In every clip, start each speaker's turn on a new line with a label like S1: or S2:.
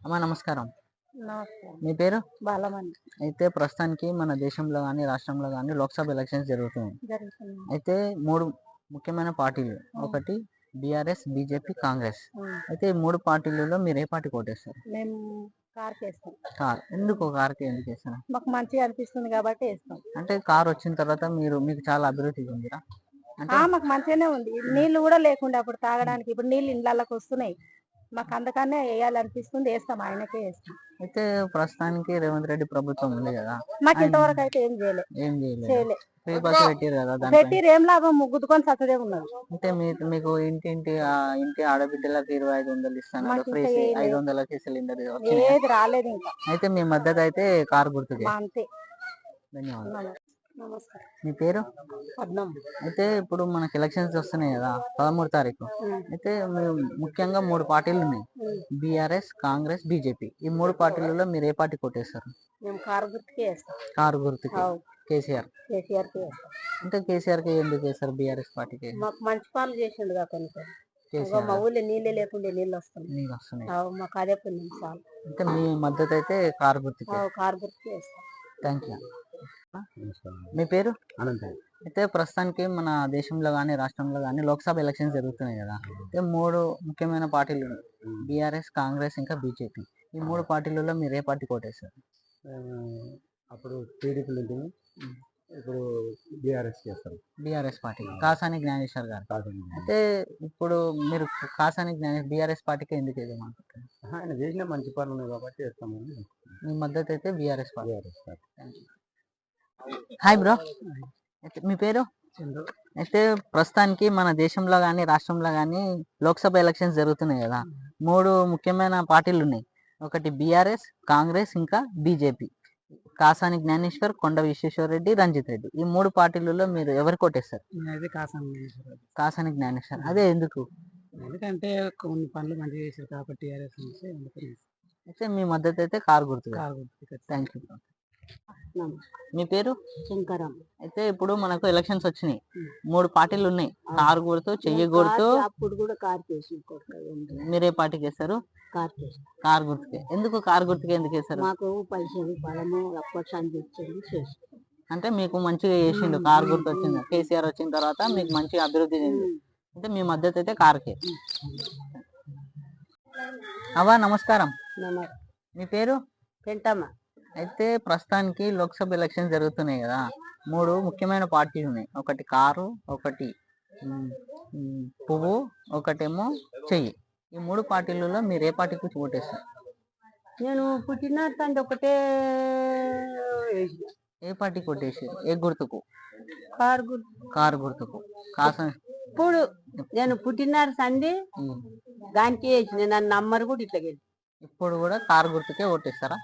S1: అమ్మా నమస్కారం.
S2: నమస్కారం.
S1: మీ పేరు?
S2: బాలమణి.
S1: అయితే ప్రస్తుతానికి మన దేశంలో గాని, రాష్ట్రంలో గాని లోక్‌సభ ఎలక్షన్స్ జరుగుతున్నాయి.
S2: జరుగుతుంది.
S1: అయితే 3 ముఖ్యమైన పార్టీలు. ఒకటి బీఆర్ఎస్, బీజేపీ, కాంగ్రెస్. అయితే ఈ 3 పార్టీలలో మీరు ఏ పార్టీకి ఓటేస్తారు?
S2: మేము కారుకేస్తాం.
S1: కార్. ఎందుకు కార్‌కి ఎందుకేస్తారు?
S2: మాకు మంచిగా అనిపిస్తుంది కాబట్టి ఏస్తాం.
S1: అంటే కార్ వచ్చిన తర్వాత మీకు చాలా అభివృద్ధి చెందిరా? అంటే
S2: మాకు మంచిగానే ఉంది. నీళ్లు కూడా లేకుండే అప్పుడు తాగడానికి. ఇప్పుడు నీళ్లు ఇండ్లల్లకి వస్తున్నాయి. మాకు అందుకనే ఏయాలనిపిస్తుంది. ఏస్తాం. ఆయనకే ఏస్తాం.
S1: అయితే ప్రస్తుతానికి రేవంత్ రెడ్డి ప్రభుత్వం ఉంది కదా!
S2: మాకు ఇంతవరకు అయితే ఏం చేయలే.
S1: ఏం చేయలేదు.
S2: చేయలే.
S1: ఫ్రీ బస్ పెట్టిర్రు కదా! దానిపై
S2: పెట్టిర్రు ఏం లాభం గుద్దుకొని సత్తదే ఉన్నది.
S1: అంటే మీకు ఇంటి ఆడబిడ్డలకు 2500 ఇస్తున్నారు.
S2: మాకు
S1: ఫ్రీ
S2: ఇంకా ఏయలేదు.
S1: 500కి సిలిండర్ వచ్చినాయా?
S2: ఏది రాలేదు ఇంకా.
S1: అయితే మీ మద్దతు అయితే కారు గుర్తుకే.
S2: అంతే.
S1: ధన్యవాదాలు.
S2: నమస్కారం.
S1: మీ పేరు?
S2: పద్మం.
S1: అయితే ఇప్పుడు మనకి ఎలక్షన్స్ వస్తున్నాయి కదా 13 తారీఖు. అయితే ముఖ్యంగా 3 పార్టీలు ఉన్నాయి. BRS, Congress, BJP. ఈ 3 పార్టీలలో మీరు ఏ పార్టీ కొట్టేస్తారు?
S2: మేము కారు గుర్తుకే వేస్తాం.
S1: కారు గుర్తుకి. కేసీఆర్.
S2: కేసీఆర్కే వేస్తాం.
S1: అంటే కేసీఆర్కి ఎందుకు వేస్తారు బీఆర్ఎస్ పార్టీకి?
S2: మాకు మంచి పనులు చేసిండు కొన్ని
S1: కేసీఆర్
S2: మా ఊళ్ళో నీళ్ళే లేకుండే నీళ్ళు వస్తున్నాయి.
S1: నీళ్ళు వస్తున్నాయి.
S2: మాకు అదే పుణ్యం చాలు.
S1: అంటే మీ మద్దతు అయితే కారు గుర్తుకే.
S2: కారు గుర్తుకే వేస్తాం.
S1: Thank you. మీ పేరు?
S3: అనంత.
S1: అయితే ప్రస్తుతానికి మన దేశంలో కానీ రాష్ట్రంలో కానీ లోక్సభ ఎలక్షన్స్ జరుగుతున్నాయి కదా! అయితే 3 ముఖ్యమైన పార్టీలు ఉన్నాయి. బీఆర్ఎస్, కాంగ్రెస్ ఇంకా బీజేపీ. ఈ 3 పార్టీలలో మీరు ఏ పార్టీ కోటేస్తారు?
S3: అప్పుడు టీడీపీలు ఉంటుంది. ఇప్పుడు బీఆర్ఎస్ చేస్తారు.
S1: బీఆర్ఎస్ పార్టీ కాసాని జ్ఞానేశ్వర్ గారు. అయితే ఇప్పుడు మీరు బీఆర్ఎస్ పార్టీకి ఎందుకు వేద్దామనుకుంటున్నారు?
S3: ఆయన చేసిన మంచి పనులు ఉన్నాయి కాబట్టి చేస్తామని.
S1: మీ మద్దతు అయితే BRS party.
S3: BRS party.
S1: Hi bro. మీ పేరు?
S3: చంద్రు.
S1: అయితే ప్రస్తుతానికి మన దేశంలో కానీ రాష్ట్రంలో కానీ లోక్సభ ఎలక్షన్స్ జరుగుతున్నాయి కదా! 3 ముఖ్యమైన పార్టీలు ఉన్నాయి. ఒకటి బీఆర్ఎస్, కాంగ్రెస్ ఇంకా బీజేపీ. కాసాని జ్ఞానేశ్వర్, కొండ విశ్వేశ్వరరెడ్డి, రంజిత్ రెడ్డి. ఈ 3 పార్టీలలో మీరు ఎవరు కొట్టేస్తారు?
S2: నేనైతే కాసాను.
S1: కాసాని జ్ఞానేశ్వర్. అదే ఎందుకు?
S2: ఎందుకంటే కొన్ని పనులు మంచిగా చేశారు కాబట్టి
S1: అయితే మీ మద్దతు అయితే కారు గుర్తు. Thank you. మీ పేరు?
S2: శంకరం.
S1: అయితే ఇప్పుడు మనకు ఎలక్షన్స్ వచ్చినాయి. 3 పార్టీలు ఉన్నాయి. కారు గుర్తు, చెయ్యి గుర్తు.
S2: అప్పుడు కూడా కారు చేసి
S1: మీరే పార్టీకి వేస్తారు? కారు గుర్తుకే. ఎందుకు కారు గుర్తుకే ఎందుకు వేస్తారు?
S2: మాకు పైసలు బలము
S1: అంటే మీకు మంచిగా చేసిండు. కారు గుర్తు వచ్చింది. కేసీఆర్ వచ్చిన తర్వాత మీకు మంచిగా అభివృద్ధి చెంది. అంటే మీ మద్దతు అయితే కారుకే. అవా నమస్కారం. మీ పేరు?
S2: పెంటమ్మ.
S1: అయితే ప్రస్తుతానికి లోక్సభ ఎలక్షన్ జరుగుతున్నాయి కదా! 3 ముఖ్యమైన పార్టీలు ఉన్నాయి. ఒకటి కారు, ఒకటి పువ్వు, ఒకటేమో చెయ్యి. ఈ 3 పార్టీలలో మీరు ఏ పార్టీకి ఓటేస్తారు?
S2: నేను పుట్టిన తండ్రి ఒకటే.
S1: ఏ పార్టీకి ఓటేసారు? ఏ గుర్తుకు?
S2: కారు
S1: గుర్తుకు.
S2: ఇప్పుడు నేను పుట్టిన సండి దానికి వేసిన నన్ను నమ్మరు కూడా ఇట్లా.
S1: ఇప్పుడు కూడా కారు గుర్తుకే ఓటేస్తారా?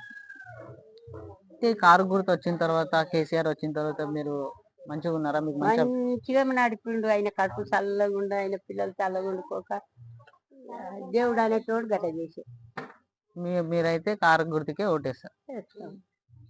S1: కారు గుర్తు వచ్చిన తర్వాత కేసీఆర్ వచ్చిన తర్వాత మీరు మంచిగా ఉన్నారా? మీకు
S2: మంచిగా నడిపిండు. ఆయన కడుపు చల్లగుండు, ఆయన పిల్లలు చల్లగుండుకోక దేవుడు అనేటోడు గట్ట చేసి
S1: మీరైతే కారు గుర్తుకే ఓటేస్తారు.